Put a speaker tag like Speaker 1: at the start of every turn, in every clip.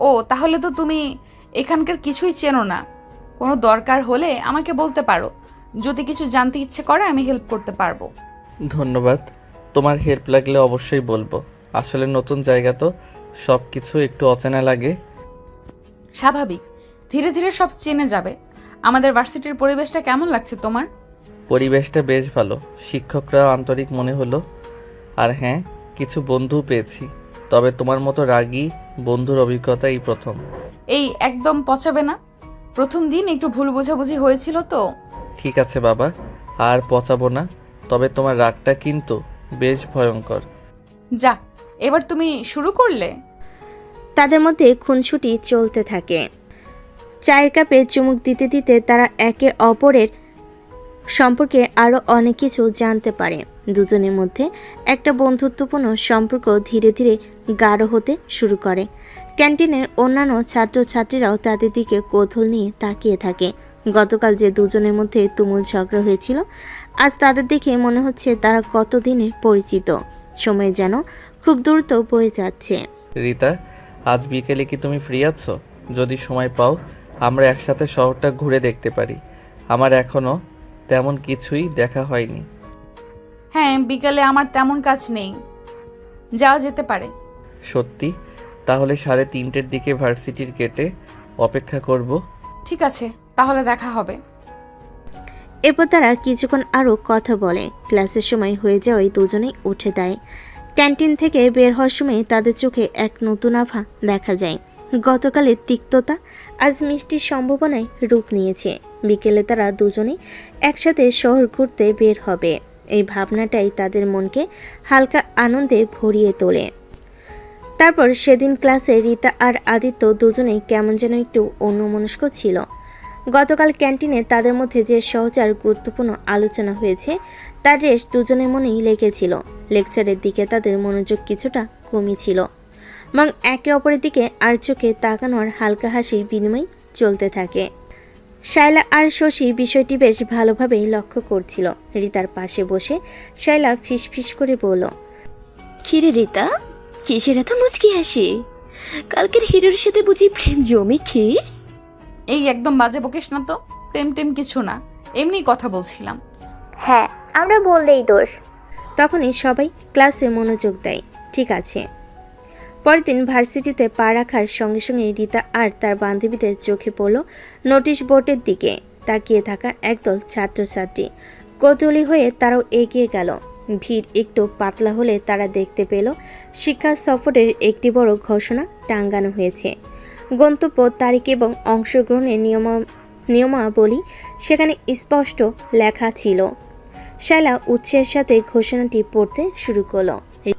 Speaker 1: ও তাহলে তো তুমি এখানকার কিছুই চেনো না। কোনো দরকার হলে আমাকে বলতে পারো। যদি কিছু জানতে ইচ্ছে করে আমি হেল্প করতে পারবো।
Speaker 2: ধন্যবাদ। তোমার হেল্প লাগলে অবশ্যই বলবো। আসলে নতুন জায়গা তো, সব কিছু একটু অচেনা লাগে।
Speaker 1: স্বাভাবিক, ধীরে ধীরে সব চেনে যাবে। আমাদের ভার্সিটির পরিবেশটা কেমন লাগছে তোমার?
Speaker 2: পরিবেশটা বেশ ভালো, শিক্ষকরাও আন্তরিক মনে হলো। আর হ্যাঁ, কিছু বন্ধুও পেয়েছি। তবে তোমার মতো রাগী বন্ধুর অভিজ্ঞতা এই প্রথম।
Speaker 1: এই একদম পচাবে না। প্রথম দিন একটু ভুল বোঝাবুঝি হয়েছিল তো।
Speaker 2: ঠিক আছে বাবা, আর পচাবো না। তবে তোমার রাগটা কিন্তু বেশ ভয়ঙ্কর।
Speaker 1: যা, এবার তুমি শুরু করলে।
Speaker 3: তাদের মধ্যে খুনসুটি চলতে থাকে। চায়ের কাপে চুমুক দিতে দিতে তারা একে অপরের সম্পর্কে আরও অনেক কিছু জানতে পারে। দুজনের মধ্যে একটা বন্ধুত্বপূর্ণ সম্পর্ক ধীরে ধীরে গাঢ় হতে শুরু করে। ক্যান্টিনের অন্যান্য ছাত্রছাত্রীরাও তাদের দিকে কৌতূহল নিয়ে তাকিয়ে থাকে। গতকাল যে দুজনের মধ্যে তুমুল ঝগড়া হয়েছিল, আজ তাদের দেখে মনে হচ্ছে তারা কতদিনের পরিচিত। সময় যেন খুব দ্রুত বয়ে যাচ্ছে।
Speaker 2: রিতা, আজ বিকেলে কি তুমি ফ্রি আছো? যদি সময় পাও, আমরা একসাথে শহরটা ঘুরে দেখতে পারি। আমার এখনো তেমন কিছুই দেখা হয়নি।
Speaker 1: হ্যাঁ, বিকালে আমার তেমন কাজ নেই, যাওয়া যেতে পারে।
Speaker 2: সত্যি? তাহলে 3:30-এর দিকে ভার্সিটির গেটে অপেক্ষা করব।
Speaker 1: ঠিক আছে, তাহলে দেখা হবে।
Speaker 3: এরপর তারা কিছুক্ষণ আরও কথা বলে। ক্লাসের সময় হয়ে যাওয়ায় দুজনেই উঠে দাঁড়ায়। ক্যান্টিন থেকে বের হওয়ার সময় তাদের চোখে এক নতুন আভা দেখা যায়। গতকালের তিক্ততা আজ মিষ্টির সম্ভাবনায় রূপ নিয়েছে। বিকেলে তারা দুজনেই একসাথে শহর ঘুরতে বের হবে। এই ভাবনাটাই তাদের মনকে হালকা আনন্দে ভরিয়ে তোলে। তারপর সেদিন ক্লাসে রিতা আর আদিত্য দুজনেই কেমন যেন একটু অন্যমনস্ক ছিল। গতকাল ক্যান্টিনে তাদের মধ্যে যে সহজ আর গুরুত্বপূর্ণ আলোচনা হয়েছে তার রেশ দুজনের মনেই লেগেছিল। লেকচারের দিকে তাদের মনোযোগ কিছুটা কমই ছিল, এবং একে অপরের দিকে আর চোখে তাকানোর হালকা হাসির বিনিময় চলতে থাকে। শায়লা আর শশী বিষয়টি বেশ ভালোভাবেই লক্ষ্য করছিল। রিতার পাশে বসে শায়লা ফিসফিস করে বলল,
Speaker 4: কিরে রিতা, কিসের এত মুচকি হাসি? কালকের হিরোর সাথে বুঝি প্রেম জমি ক্ষীর?
Speaker 1: এই একদম বাজে বকিস না তো। টেম টেম কিছু না, এমনি কথা বলছিলাম।
Speaker 5: হ্যাঁ, আমরা বললেই দোষ।
Speaker 3: তখনই সবাই ক্লাসে মনোযোগ দেয়। ঠিক আছে। পরের দিন ভার্সিটিতে পা রাখার সঙ্গে সঙ্গে রিতা আর তার বান্ধবীদের চোখে পড়ল নোটিশ বোর্ডের দিকে তাকিয়ে থাকা একদল ছাত্রছাত্রী। কৌতূহলী হয়ে তারাও এগিয়ে গেল। ভিড় একটু পাতলা হলে তারা দেখতে পেল শিক্ষা সফরের একটি বড় ঘোষণা টাঙ্গানো হয়েছে। গন্তব্য, তারিখ এবং অংশগ্রহণের নিয়মাবলী সেখানে স্পষ্ট লেখা ছিল। শায়লা উৎসাহের সাথে ঘোষণাটি পড়তে শুরু করলো।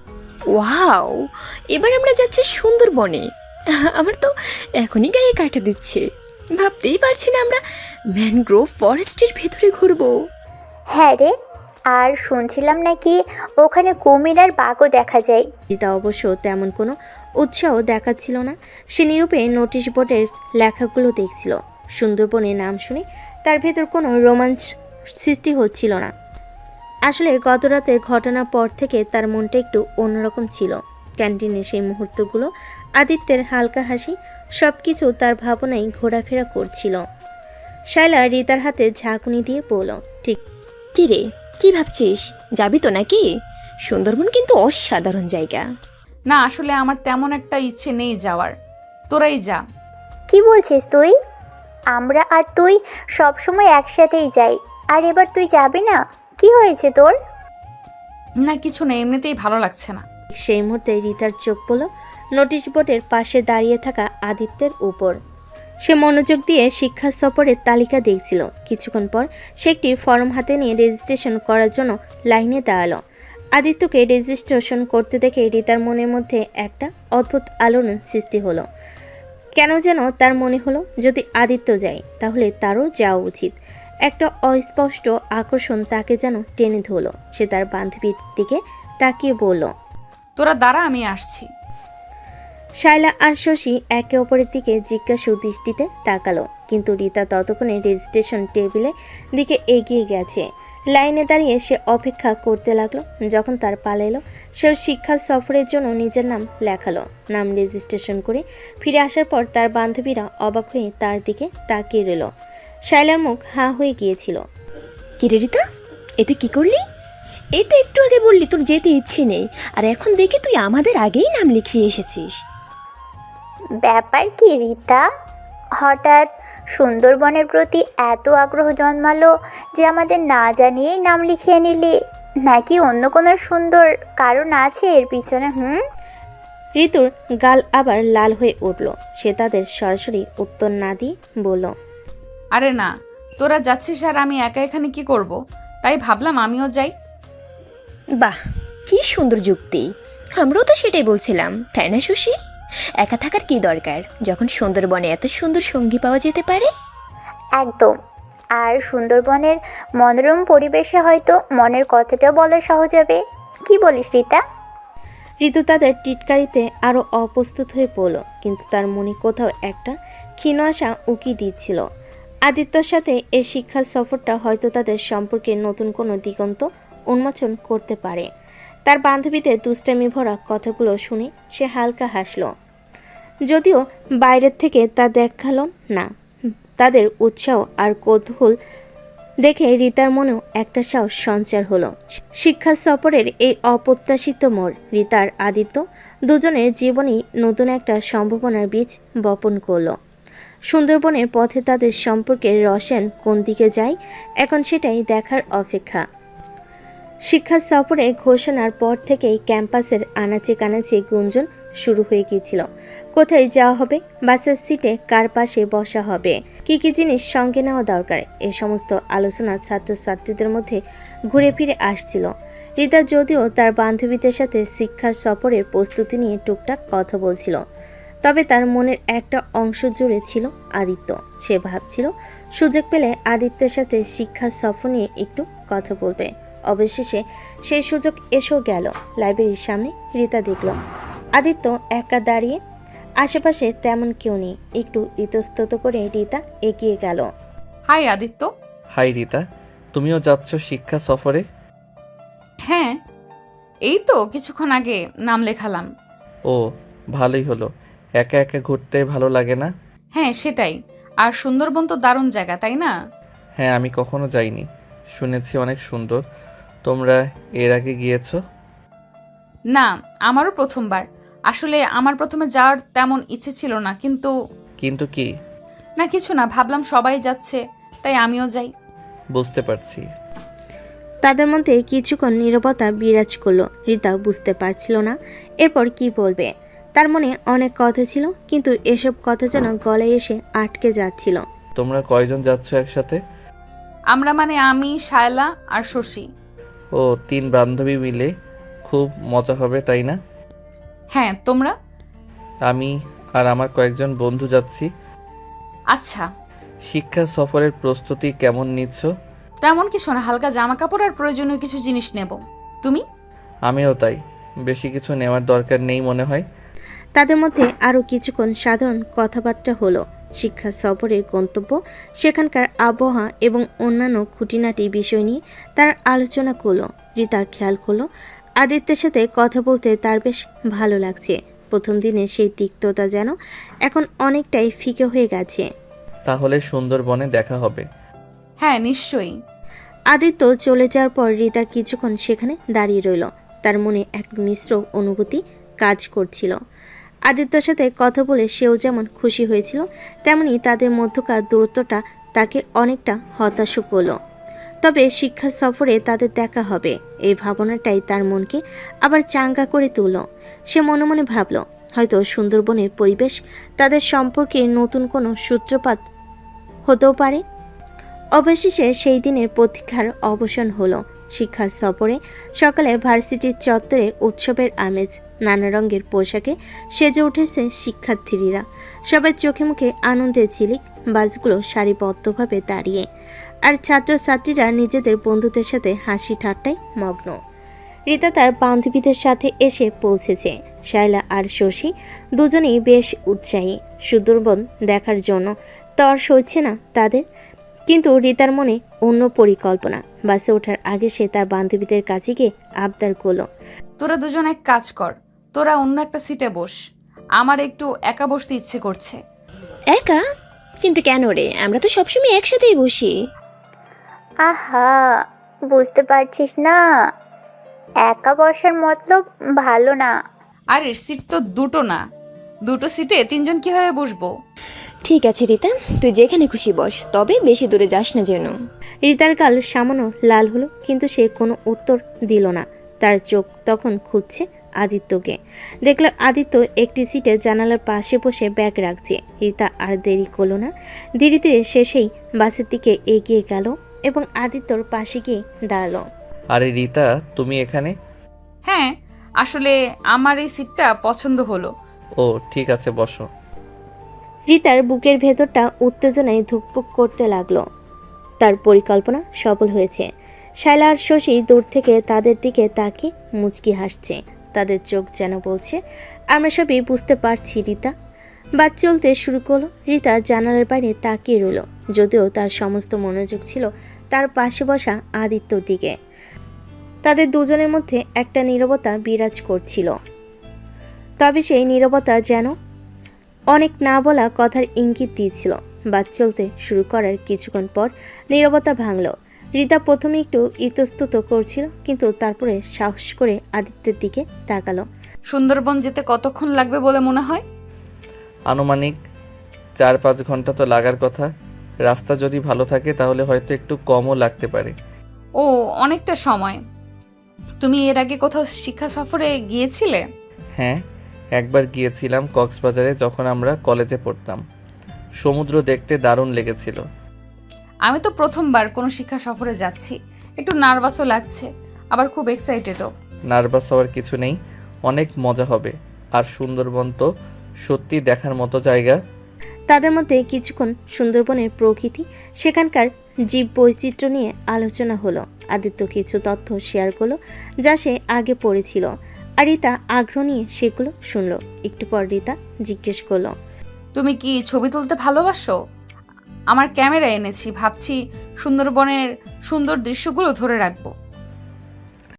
Speaker 4: ওয়াও, এবার আমরা যাচ্ছি সুন্দরবনে। আমার তো এখনই গায়ে কাটা দিচ্ছে। ভাবতেই পারছি না আমরা ম্যানগ্রোভ ফরেস্টের ভেতরে ঘুরবো।
Speaker 5: হ্যাঁ রে, আর শুনছিলাম নাকি ওখানে কুমির আর বাঘও দেখা যায়।
Speaker 3: রিতা অবশ্য তেমন কোনো উৎসাহ দেখাচ্ছিল না। সে নীরবে নোটিশ বোর্ডের লেখাগুলো দেখছিল। সুন্দরবনের নাম শুনে তার ভেতর কোনো রোমাঞ্চ সৃষ্টি হচ্ছিল না। আসলে গত রাতের ঘটনার পর থেকে তার মনটা একটু অন্যরকম ছিল। ক্যান্টিনে সেই মুহূর্তগুলো, আদিত্যের হালকা হাসি, সব কিছু তার ভাবনায় ঘোরাফেরা করছিল। শায়লা রিতার হাতে ঝাঁকুনি দিয়ে বলল, ঠিক
Speaker 4: কি রে, কি ভাবছিস? যাবি তো নাকি? সুন্দরবন কিন্তু অসাধারণ জায়গা।
Speaker 1: না, আসলে আমার তেমন একটা ইচ্ছে নেই যাওয়ার। তোরাই যা।
Speaker 5: কি বলছিস তুই? আমরা আর তুই সব সময় একসাথেই যাই, আর এবার তুই যাবি না? কি হয়েছে তোর?
Speaker 1: না কিছু নেই, এমনিতেই ভালো লাগছে না।
Speaker 3: সেই মুহূর্তে রিতার চোখ পড়ল নোটিশ বোর্ডের পাশে দাঁড়িয়ে থাকা আদিত্যের উপর। সে মনোযোগ দিয়ে শিক্ষা সফরের তালিকা দেখছিল। কিছুক্ষণ পর সে একটি ফর্ম হাতে নিয়ে রেজিস্ট্রেশন করার জন্য লাইনে দাঁড়ালো। আদিত্যকে রেজিস্ট্রেশন করতে দেখে রিতার মনের মধ্যে একটা অদ্ভুত আলোড়ন সৃষ্টি হলো। কেন যেন তার মনে হলো যদি আদিত্য যায় তাহলে তারও যাওয়া উচিত। একটা অস্পষ্ট আকর্ষণ তাকে যেন টেনে ধরল। সে তার বান্ধবীর দিকে তাকিয়ে বলল,
Speaker 1: তোরা দাঁড়া, আমি আসছি।
Speaker 3: শায়লা আর শশী একে অপরের দিকে জিজ্ঞাসু দৃষ্টিতে তাকালো, কিন্তু রিতা ততক্ষণে রেজিস্ট্রেশন টেবিলের দিকে এগিয়ে গেছে। লাইনে দাঁড়িয়ে সে অপেক্ষা করতে লাগলো। যখন তার পালা এলো সেও শিক্ষা সফরের জন্য নিজের নাম লেখালো। নাম রেজিস্ট্রেশন করে ফিরে আসার পর তার বান্ধবীরা অবাক হয়ে তার দিকে তাকিয়ে রইল। শায়লার মুখ হাঁ হয়ে গিয়েছিল।
Speaker 4: কিরে রিতা, এ তুই কি করলি? এই তো একটু আগে বললি তোর যেতে ইচ্ছে নেই, আর এখন দেখি তুই আমাদের আগেই নাম লিখিয়ে এসেছিস।
Speaker 5: ব্যাপার কি রিতা, হঠাৎ সুন্দরবনের প্রতি এত আগ্রহ জন্মালো যে আমাদের না জানিয়েই নাম লিখিয়ে নিলি? নাকি অন্য কোনো সুন্দর কারণ আছে এর পিছনে?
Speaker 3: ঋতুর গাল আবার লাল হয়ে উঠল। সে তাদের সরাসরি উত্তর না দিয়ে বলল,
Speaker 1: আরে না, তোরা যাচ্ছিস আর আমি একা এখানে কি করব, তাই ভাবলাম আমিও যাই।
Speaker 4: বাহ, কি সুন্দর যুক্তি! আমরাও তো সেটাই বলছিলাম, তাই না শশী? একা থাকার কি দরকার যখন সুন্দরবনে এত সুন্দর সঙ্গী পাওয়া যেতে পারে।
Speaker 5: একদম। আর সুন্দরবনের মনোরম পরিবেশে হয়তো মনের কথাটা বলা সহজ হবে। কি বলিস রিতা?
Speaker 3: ঋতু তাদের টিটকারিতে আরও অপ্রস্তুত হয়ে পড়ল, কিন্তু তার মনে কোথাও একটা ক্ষীণ আশা উকি দিচ্ছিল। আদিত্যর সাথে এই শিক্ষা সফরটা হয়তো তাদের সম্পর্কে নতুন কোনো দিগন্ত উন্মোচন করতে পারে। তার বান্ধবীদের দুষ্টামি ভরা কথাগুলো শুনে সে হালকা হাসল, যদিও বাইরের থেকে তা দেখালো না। তাদের উৎসাহ আর কৌতূহল দেখে রিতার মনেও একটা সাহস সঞ্চার হলো। শিক্ষা সফরের এই অপ্রত্যাশিত মোড় রিতার আদিত্য দুজনের জীবনেই নতুন একটা সম্ভাবনার বীজ বপন করলো। সুন্দরবনের পথে তাদের সম্পর্কের রসায়ন কোন দিকে যায়, এখন সেটাই দেখার অপেক্ষা। শিক্ষা সফরের ঘোষণার পর থেকেই ক্যাম্পাসের আনাচে কানাচে গুঞ্জন শুরু হয়ে গিয়েছিল। কোথায় যাওয়া হবে, বাসের সিটে কার পাশে বসা হবে, কি কি জিনিস সঙ্গে নেওয়া দরকার, এ সমস্ত আলোচনা ছাত্রছাত্রীদের মধ্যে ঘুরে ফিরে আসছিল। রিতা যদিও তার বান্ধবীদের সাথে শিক্ষা সফরের প্রস্তুতি নিয়ে টুকটাক কথা বলছিল, তবে তার মনের একটা অংশ জুড়ে ছিল আদিত্য। সে ভাবছিল সুযোগ পেলে আদিত্যের সাথে শিক্ষা সফর নিয়ে একটু কথা বলবে। অবশেষে সেই সুযোগ এসেও গেল। লাইব্রেরির সামনে রিতা দেখল আদিত্য একা দাঁড়িয়ে, আশেপাশে তেমন কেউ নেই। একটু ইতস্তত করে রিতা এগিয়ে গেল।
Speaker 1: হাই আদিত্য।
Speaker 2: হাই রিতা, তুমিও যাচ্ছ শিক্ষা সফরে?
Speaker 1: হ্যাঁ, এই তো কিছুক্ষণ আগে নাম লেখালাম।
Speaker 2: ও, ভালোই হলো। একা একা ঘুরতে ভালো লাগে না?
Speaker 1: হ্যাঁ সেটাই, আর সুন্দরবন তো দারুণ জায়গা, তাই না?
Speaker 2: হ্যাঁ, আমি কখনো যাইনি, শুনেছি অনেক সুন্দর। তোমরা এর আগে গিয়েছো?
Speaker 1: না, আমারও প্রথমবার। আসলে আমার প্রথমে যাওয়ার তেমন ইচ্ছে ছিল না, কিন্তু
Speaker 2: কিন্তু কি?
Speaker 1: না কিছু না, ভাবলাম সবাই যাচ্ছে তাই আমিও যাই।
Speaker 2: বুঝতে পারছি।
Speaker 3: তাদের মধ্যে কিছুক্ষণ নীরবতা বিরাজ করলো। রিতা বুঝতে পারছিল না এরপর কি বলবে। তার মনে অনেক কথা ছিল, কিন্তু এসব কথা যেন গলায় এসে আটকে যাচ্ছিল।
Speaker 2: তোমরা কয়জন যাচ্ছ একসাথে?
Speaker 1: আমরা মানে আমি, শায়লা আর শশী।
Speaker 2: ও, 3 বান্ধবী মিলে খুব মজা হবে, তাই না?
Speaker 1: হ্যাঁ, তোমরা?
Speaker 2: আমি আর আমার কয়েকজন বন্ধু যাচ্ছি।
Speaker 1: আচ্ছা।
Speaker 2: শিক্ষা সফরের প্রস্তুতি কেমন নিচ্ছ?
Speaker 1: তেমন কিছু না, হালকা জামা কাপড় আর প্রয়োজনীয় কিছু জিনিস নেব। তুমি?
Speaker 2: আমিও তাই, বেশি কিছু নেওয়ার দরকার নেই মনে হয়।
Speaker 3: তাদের মধ্যে আরও কিছুক্ষণ সাধারণ কথাবার্তা হলো। শিক্ষা সফরের গন্তব্য, সেখানকার আবহাওয়া এবং অন্যান্য খুঁটিনাটি বিষয় নিয়ে তারা আলোচনা করলো। রিতা খেয়াল করলো আদিত্যের সাথে কথা বলতে তার বেশ ভালো লাগছে। প্রথম দিনে সেই তিক্ততা যেন এখন অনেকটাই ফিকে হয়ে গেছে।
Speaker 2: তাহলে সুন্দরবনে দেখা হবে।
Speaker 1: হ্যাঁ নিশ্চয়ই।
Speaker 3: আদিত্য চলে যাওয়ার পর রিতা কিছুক্ষণ সেখানে দাঁড়িয়ে রইল। তার মনে এক মিশ্র অনুভূতি কাজ করছিল। আদিত্যর সাথে কথা বলে সেও যেমন খুশি হয়েছিল, তেমনি তাদের মধ্যকার দূরত্বটা তাকে অনেকটা হতাশ করলো। তবে শিক্ষা সফরে তাদের দেখা হবে, এই ভাবনাটাই তার মনকে আবার চাঙ্গা করে তুলল। সে মনে মনে ভাবল হয়তো সুন্দরবনের পরিবেশ তাদের সম্পর্কে নতুন কোনো সূত্রপাত হতেও পারে। অবশেষে সেই দিনের প্রতীক্ষার অবসান হলো। শিক্ষা সফরে সকালে ভার্সিটির চত্বরে উৎসবের আমেজ। নানা রঙের পোশাকে সেজে উঠেছে শিক্ষার্থীরা। সবার চোখে মুখে আনন্দের ঝিলিক। বাসগুলো সারিবদ্ধভাবে দাঁড়িয়ে, আর ছাত্রছাত্রীরা নিজেদের বন্ধুদের সাথে হাসি ঠাট্টায় মগ্ন। রিতা তার বান্ধবীদের সাথে এসে পৌঁছেছে। শায়লা আর শশী দুজনেই বেশ উৎসাহী সুন্দরবন দেখার জন্য। তর সইছে না তাদের, কিন্তু রিতার মনে অন্য পরিকল্পনা। বাসে ওঠার আগে সে তার বান্ধবীদের কাছে গিয়ে আবদার করল,
Speaker 1: তোরা দুজন এক কাজ কর, তোরা অন্য একটা সিটে বস, আমার একটু একা বসতে ইচ্ছে করছে।
Speaker 4: একা? কিন্তু কেন রে, আমরা তো সবসময় একসাথেই বসি।
Speaker 5: আহা, বুঝতে পারছিস না, একা বসার মতলব ভালো না।
Speaker 1: আরে সিট তো দুটো না, দুটো সিটে তিনজন কিভাবে বসবো?
Speaker 4: ঠিক আছে রিতা, তুই যেখানে খুশি বস, তবে বেশি দূরে যাস না যেন।
Speaker 3: রিতার গাল সামান্য লাল হলো, কিন্তু সে কোনো উত্তর দিল না। তার চোখ তখন খুঁজছে আদিত্যকে। দেখল আদিত্য একটি সিটে জানালার পাশে বসে ব্যাগ রাখছে। রিতা আর দেরি করলো না, ধীরে ধীরে সে সেই বাসের দিকে এগিয়ে গেল এবং আদিত্যর পাশে গিয়ে দাঁড়ালো।
Speaker 2: আরে রিতা, তুমি এখানে?
Speaker 1: হ্যাঁ, আসলে আমার এই সিটটা পছন্দ হলো।
Speaker 2: ও ঠিক আছে, বসো।
Speaker 3: রিতার বুকের ভেতরটা উত্তেজনায় ধুকপুক করতে লাগলো। তার পরিকল্পনা সফল হয়েছে। শায়লা আর শশী দূর থেকে তাদের দিকে তাকিয়ে মুচকি হাসছে। তাদের চোখ যেন বলছে, আমরা সবই বুঝতে পারছি রিতা। বাস চলতে শুরু করলো। রিতা জানালার বাইরে তাকিয়ে রইল, যদিও তার সমস্ত মনোযোগ ছিল তার পাশে বসা আদিত্যর দিকে। তাদের দুজনের মধ্যে একটা নীরবতা বিরাজ করছিল, তবে সেই নীরবতা যেন অনেক না বলা কথার ইঙ্গিত দিয়েছিল। বাস চলতে শুরু করার কিছুক্ষণ পর নীরবতা ভাঙল। রিতা প্রথমে একটু ইতস্তত করছিল, কিন্তু তারপরে সাহস করে আদিত্যের দিকে তাকালো।
Speaker 1: সুন্দরবন যেতে কতক্ষণ লাগবে বলে মনে হয়?
Speaker 2: আনুমানিক 4-5 ঘন্টা তো লাগার কথা। রাস্তা যদি ভালো থাকে তাহলে হয়তো একটু কমও লাগতে পারে।
Speaker 1: ও, অনেকটা সময়। তুমি এর আগে কোথাও শিক্ষা সফরে গিয়েছিলে?
Speaker 2: হ্যাঁ, একবার গিয়েছিলাম কক্সবাজারে, যখন আমরা কলেজে পড়তাম। সমুদ্র দেখতে দারুণ লেগেছিল।
Speaker 1: আমি তো প্রথমবার কোনো শিক্ষা সফরে যাচ্ছি, একটু নার্ভাসও লাগছে, আবার খুব এক্সাইটেডও।
Speaker 2: নার্ভাস হওয়ার কিছু নেই, অনেক মজা হবে। আর সুন্দরবন তো সত্যি দেখার মতো জায়গা।
Speaker 3: তাদের মধ্যে কিছুক্ষণ সুন্দরবনের প্রকৃতি, সেখানকার জীব বৈচিত্র্য নিয়ে আলোচনা হলো। আদিত্য কিছু তথ্য শেয়ার করলো যা সে আগে পড়েছিল, আর রিতা আগ্রহ নিয়ে সেগুলো শুনলো। একটু পর রিতা জিজ্ঞেস করলো,
Speaker 1: তুমি কি ছবি তুলতে ভালোবাসো? আমার ক্যামেরা এনেছি, ভাবছি সুন্দরবনের সুন্দর দৃশ্যগুলো ধরে রাখবো।